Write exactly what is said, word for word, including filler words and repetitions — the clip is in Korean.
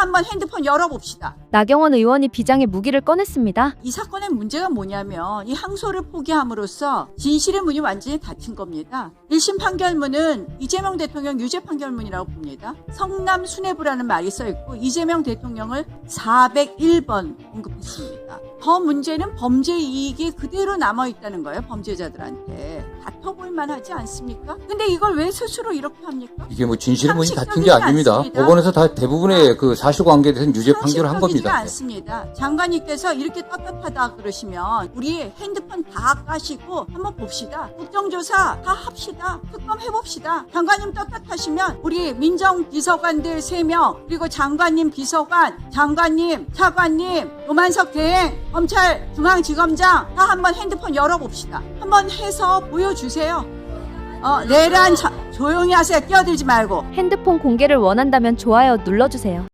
한번 핸드폰 열어봅시다. 나경원 의원이 비장의 무기를 꺼냈습니다. 이 사건의 문제가 뭐냐면 이 항소를 포기함으로써 진실의 문이 완전히 닫힌 겁니다. 일 심 판결문은 이재명 대통령 유죄 판결문이라고 봅니다. 성남 수뇌부라는 말이 써있고 이재명 대통령을 사백일 번 언급했습니다. 더 문제는 범죄 이익이 그대로 남아있다는 거예요. 범죄자들한테. 다퉈볼 만하지 않습니까? 근데 이걸 왜 스스로 이렇게 합니까? 이게 뭐 진실의 문이 닫힌 게 상식적이지 아닙니다. 않습니다. 법원에서 다 대부분의 그 사실관계에 대해서는 유죄 판결을 한 상식적이지가 겁니다. 않습니다. 장관님께서 이렇게 떳떳하다 그러시면 우리 핸드폰 다 까시고 한번 봅시다. 국정조사 다 합시다. 특검 해봅시다. 장관님 떳떳하시면 우리 민정비서관들 세 명 그리고 장관님 비서관, 장관님, 차관님, 노만석 대행, 검찰 중앙지검장 다 한번 핸드폰 열어봅시다. 한번 해서 보여주세요. 어, 내란 자, 조용히 하세요. 끼어들지 말고. 핸드폰 공개를 원한다면 좋아요 눌러주세요.